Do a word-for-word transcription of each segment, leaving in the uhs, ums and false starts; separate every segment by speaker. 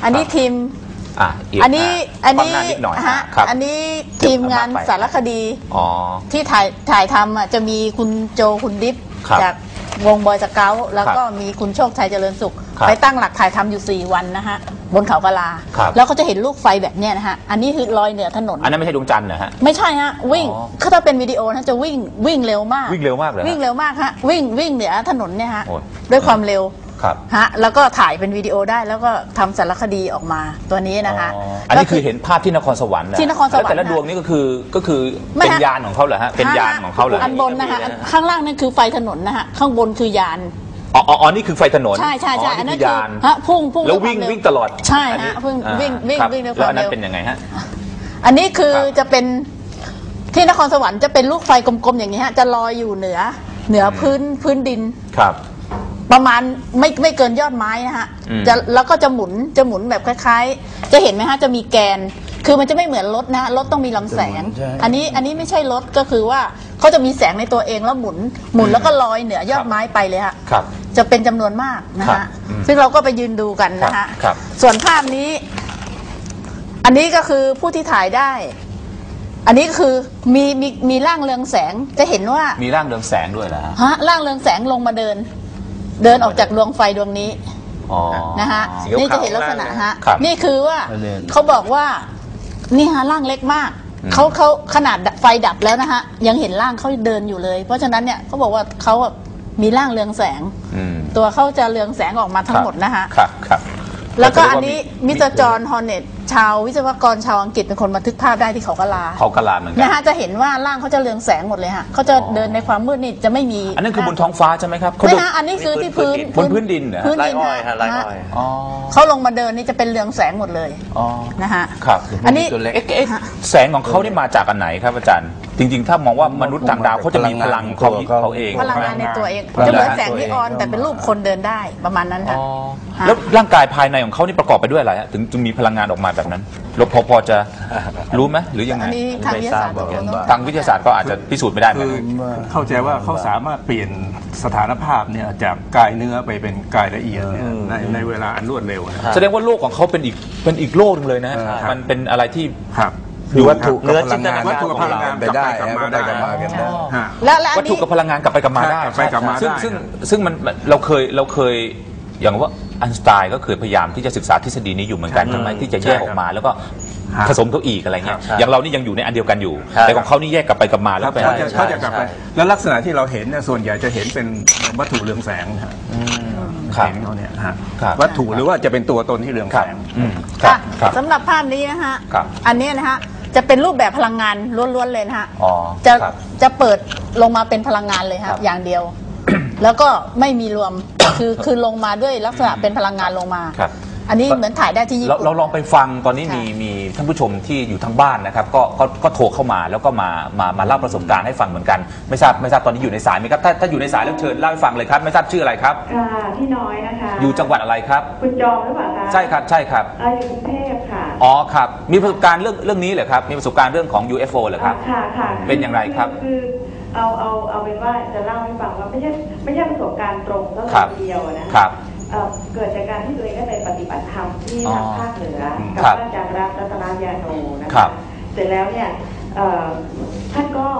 Speaker 1: อันนี้ทีม
Speaker 2: อ่ะ
Speaker 1: อันนี้อันนี้
Speaker 2: ฮะ
Speaker 1: อันนี้ทีมงานสารคดีที่ถ่ายถ่ายทำอ่ะจะมีคุณโจคุณดิฟจากวงบอยสเกาต์แล้วก็มีคุณโชคชัยเจริญสุขไปตั้งหลักถ่ายทำอยู่สี่วันนะฮะบนเขากะลาแล้วก็จะเห็นลูกไฟแบบเนี้ยนะฮะอันนี้คือลอยเหนือถนน
Speaker 2: อันนั้นไม่ใช่ดวงจันทร์นะฮะ
Speaker 1: ไม่ใช่ฮะวิ่งถ้าเป็นวิดีโอนะจะวิ่งวิ่งเร็วมาก
Speaker 2: วิ่งเร็วมากเลย
Speaker 1: วิ่งเร็วมากฮะวิ่งวิ่งเหนือถนนเนี่ยฮะด้วยความเร็วฮะแล้วก็ถ่ายเป็นวิดีโอได้แล้วก็ทำสารคดีออกมาตัวนี้นะคะ
Speaker 2: อันนี้คือเห็นภาพที่นครสวรรค์
Speaker 1: ที่นครสวรรค์
Speaker 2: แต่ละดวงนี่ก็คือก็คือเป็นยานของเขาเหรอฮะเป็นยานของเขาเหรอ
Speaker 1: อันบนนะคะข้างล่างนั่นคือไฟถนนนะฮะข้างบนคือยาน
Speaker 2: อ๋ออ๋อนี่คือไฟถนน
Speaker 1: ใช่ใช่ใช่อันนั้นคื
Speaker 2: อยาน
Speaker 1: ฮะพุ่งพุ่ง
Speaker 2: แล้ววิ่งวิ่งตลอด
Speaker 1: ใช่ฮะพุ่งวิ่งวิ่งวิ่งด้วยความเร็ว
Speaker 2: แล้วอันนั้นเป็นยังไงฮะ
Speaker 1: อันนี้คือจะเป็นที่นครสวรรค์จะเป็นลูกไฟกลมๆอย่างนี้ฮะจะลอยอยู่เหนือเหนือพื้นพื้นดิน
Speaker 2: ครับ
Speaker 1: ประมาณไม่ไม่เกินยอดไม้นะฮะจะแล้วก็จะหมุนจะหมุนแบบคล้ายๆจะเห็นไหมฮะจะมีแกนคือมันจะไม่เหมือนรถนะรถต้องมีลำแสงอันนี้อันนี้ไม่ใช่รถก็คือว่าเขาจะมีแสงในตัวเองแล้วหมุนหมุนแล้วก็ลอยเหนือยอดไม้ไปเลยฮะจะเป็นจำนวนมากนะฮะซึ่งเราก็ไปยืนดูกันนะฮะส่วนภาพนี้อันนี้ก็คือผู้ที่ถ่ายได้อันนี้คือมีมีมีร่างเรืองแสงจะเห็นว่า
Speaker 2: มีร่างเรืองแสงด้วยเหรอ
Speaker 1: ฮะร่างเรืองแสงลงมาเดินเดินออกจากดวงไฟดวงนี้นะฮะนี่จะเห็นลักษณะฮะนี่คือว่าเขาบอกว่านี่ฮะร่างเล็กมากเขาเขาขนาดไฟดับแล้วนะฮะยังเห็นร่างเขาเดินอยู่เลยเพราะฉะนั้นเนี่ยเขาบอกว่าเขามีร่างเรืองแสงตัวเขาจะเรืองแสงออกมาทั้งหมดนะฮะแล้วก็อันนี้มิสเตอร์จอห์นฮอร์เน็ตชาววิศวกรชาวอังกฤษเป็นคนบันทึกภาพได้ที่เขากะลา
Speaker 2: เขากะลาเหมือนกัน
Speaker 1: นะฮะจะเห็นว่าร่างเขาจะเรืองแสงหมดเลยฮะเขาจะเดินในความมืดนี่จะไม่มี
Speaker 2: อันนั้นคือบนท้องฟ้าใช่ไหมครับ
Speaker 1: ไม่ฮะอันนี้คือที่พื้น
Speaker 2: บนพื้นดินเหรอ
Speaker 1: พื้นดินฮะเขาลงมาเดินนี่จะเป็นเรืองแสงหมดเลยนะฮะ
Speaker 2: ครับอันนี้แสงของเขานี่มาจากอันไหนครับอาจารย์จริงๆถ้ามองว่ามนุษย์ต่างดาวเขาจะมีพลังเขาเขาเอง
Speaker 1: พลังงานในตัวเองจะเหมือนแสงนีออนแต่เป็นรูปคนเดินได้ประมาณนั้นค่ะ
Speaker 2: แล้วร่างกายภายในของเขานี่ประกอบไปด้วยอะไรฮะถึงจึงมีพลังงานออกมาแบบนั้นเราพอพอจะรู้ไหมหรือยังไง
Speaker 1: ทางวิทยาศาสตร์
Speaker 2: ทางวิทยาศาสตร์ก็อาจจะพิสูจน์ไม่ได้
Speaker 3: คือเข้าใจว่าเขาสามารถเปลี่ยนสถานภาพเนี่ยจากกายเนื้อไปเป็นกายละเอียดในในเวลาอันรวดเร็ว
Speaker 2: แสดงว่าโลกของเขาเป็นอีกเป็นอีกโลกนึงเลยนะมันเป็นอะไรที่
Speaker 3: คือวัตถุ
Speaker 4: เนื้อจินตนาการ
Speaker 3: วัตถุกับพลังงานไปได้กลับมาได้
Speaker 1: แล้ว
Speaker 2: วัตถุกับพลังงานกลับไปกลับมาได้ซึ่งซึ่งซึ่งมันเราเคยเราเคยอย่างว่าอันสไตน์ก็เคยพยายามที่จะศึกษาทฤษฎีนี้อยู่เหมือนกันใช่ไหมที่จะแยกออกมาแล้วก็ผสมเขาอีกอะไรเงี้ยอย่างเรานี่ยังอยู่ในอันเดียวกันอยู่แต่ของเขานี่แยกกลับไปกลับมาแล้ว
Speaker 3: เขาจะเขาจะกลับไปแล้วลักษณะที่เราเห็นเนี่ยส่วนใหญ่จะเห็นเป็นวัตถุเรืองแสงฮะเห็นเขาเนี่ยฮะวัตถุหรือว่าจะเป็นตัวตนที่เรืองแสง
Speaker 1: สำหรับภาพนี้นะฮะอันนี้นะฮะจะเป็นรูปแบบพลังงานล้วนๆเลยนะฮะจะจะเปิดลงมาเป็นพลังงานเลยครับอย่างเดียวแล้วก็ไม่มีรวมคือคือลงมาด้วยลักษณะเป็นพลังงานลงมาอันนี้เหมือนถ่ายได้ที่ญี่ปุ่น
Speaker 2: เราลองไปฟังตอนนี้มีมีท่านผู้ชมที่อยู่ทางบ้านนะครับก็ก็ก็โทรเข้ามาแล้วก็มามามาเล่าประสบการณ์ให้ฟังเหมือนกันไม่ทราบไม่ทราบตอนนี้อยู่ในสายไหมครับถ้าถ้าอยู่ในสายแล้วเชิญเล่าให้ฟังเลยครับไม่ทราบชื่ออะไรครับ
Speaker 5: ค่ะพี่น้อยนะคะ
Speaker 2: อยู่จังหวัดอะไรครับ
Speaker 5: คุณจอมหรือเปล่าคะ
Speaker 2: ใช่ครับใช่ครับ
Speaker 5: อยู่กรุงเทพค่ะ
Speaker 2: อ๋อครับมีประสบการณ์เรื่องเรื่องนี้เหรอครับมีประสบการณ์เรื่องของ ยู เอฟ โอ เหรอครับ
Speaker 5: ค่ะค่ะ
Speaker 2: เป็นอย่างไรครับ
Speaker 5: คือเอาเอาเอาเป็นว่าจะเล่าให้ฟังว่าไม่ใช่ไม่ใช่ประสบการณ์ตรงก็เลยเดียวนะครับเกิดจากการที่ตัวเองได้ไปปฏิบัติธรรมที่ทางภาคเหนือกับอาจารย์รัตนายาโนนะคะเสร็จแล้วเนี่ยท่านก็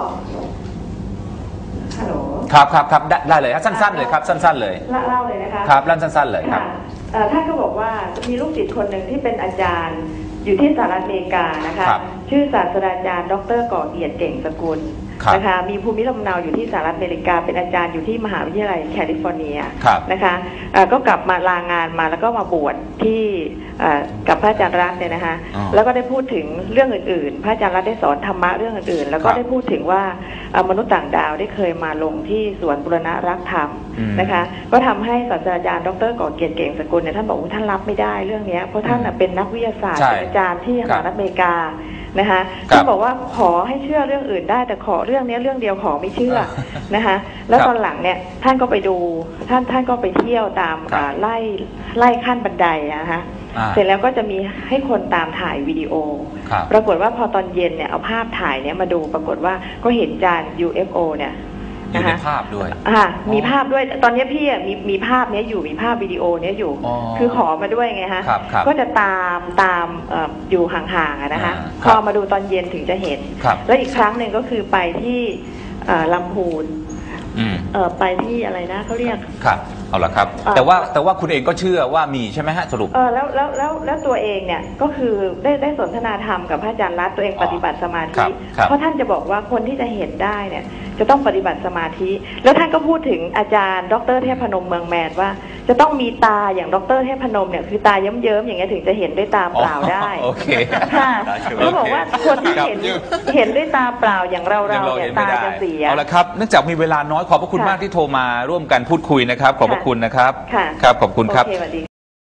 Speaker 5: ฮัลโหล
Speaker 2: ครับครับครับได้เลยครับสั้นๆเลยครับสั้นๆเลย
Speaker 5: เล่าเลยนะคะ
Speaker 2: ครับเล่าสั้นๆเลยครับ
Speaker 5: ท่านก็บอกว่ามีลูกศิษย์คนหนึ่งที่เป็นอาจารย์อยู่ที่สหรัฐอเมริกานะคะชื่อศาสตราจารย์ดร.ก่อเกียรติเก่งสกุลนะคะมีภูมิลำเนาอยู่ที่สหรัฐอเมริกาเป็นอาจารย์อยู่ที่มหาวิทยาลัยแคลิฟอร์เนียนะคะก็กลับมาลางานมาแล้วก็มาบวชที่กับพระอาจารย์รัตน์เนี่ยนะคะแล้วก็ได้พูดถึงเรื่องอื่นๆพระอาจารย์รัตน์ได้สอนธรรมะเรื่องอื่นๆแล้วก็ได้พูดถึงว่ามนุษย์ต่างดาวได้เคยมาลงที่สวนบุรณะรักธรรมนะคะก็ทำให้ศาสตราจารย์ดร.ก่อเกียรติเก่งสกุลเนี่ยท่านบอกว่าท่านรับไม่ได้เรื่องนี้เพราะท่านเป็นนักวิทยาศาสตร์เป็นอาจารย์ที่สหรัฐอเมริกานะคะท่านบอกว่าขอให้เชื่อเรื่องอื่นได้แต่ขอเรื่องนี้เรื่องเดียวขอไม่เชื่อนะคะแล้วตอนหลังเนี่ยท่านก็ไปดูท่านท่านก็ไปเที่ยวตามไล่ไล่ขั้นบันไดนะคะเสร็จแล้วก็จะมีให้คนตามถ่ายวิดีโอปรากฏว่าพอตอนเย็นเนี่ยเอาภาพถ่ายเนี่ยมาดูปรากฏว่าก็เห็นจาน ยู เอฟ โอ เนี่ย
Speaker 2: อยู่ในภาพด้วย
Speaker 5: อ่ามีภาพด้วยตอนนี้พี่มีมีภาพเนี้ยอยู่มีภาพวิดีโอเนี้ยอยู่คือขอมาด้วยไงฮะก็จะตามตามอยู่ห่างๆนะคะพอมาดูตอนเย็นถึงจะเห็นแล้วอีกครั้งหนึ่งก็คือไปที่ลำพูนไปที่อะไรนะเขาเรียก
Speaker 2: ครับเอาละครับแต่ว่าแต่ว่าคุณเองก็เชื่อว่ามีใช่ไหมฮะสรุป
Speaker 5: เออแล้วแล้วแล้วแล้วตัวเองเนี่ยก็คือได้ได้สนทนาธรรมกับพระอาจารย์รัตน์ตัวเองปฏิบัติสมาธิเพราะท่านจะบอกว่าคนที่จะเห็นได้เนี่ยจะต้องปฏิบัติสมาธิแล้วท่านก็พูดถึงอาจารย์ดร.เทพนมเมืองแมนว่าจะต้องมีตาอย่างดร.เทพนมเนี่ยคือตาเยิ้มๆอย่างเงี้ยถึงจะเห็นด้วยตาเปล่าได้
Speaker 2: โอเค
Speaker 5: ค่ะเขาบอกว่าคนที่เห็นเห็นด้วยตาเปล่าอย่างเราเราเนี่ยตาจะเสีย
Speaker 2: เอาละครับเนื่องจากมีเวลาน้อยขอบพระคุณมากที่โทรมาร่วมกันพูดคุยนะครับขอบพระคุณนะครับครับขอบคุณครับ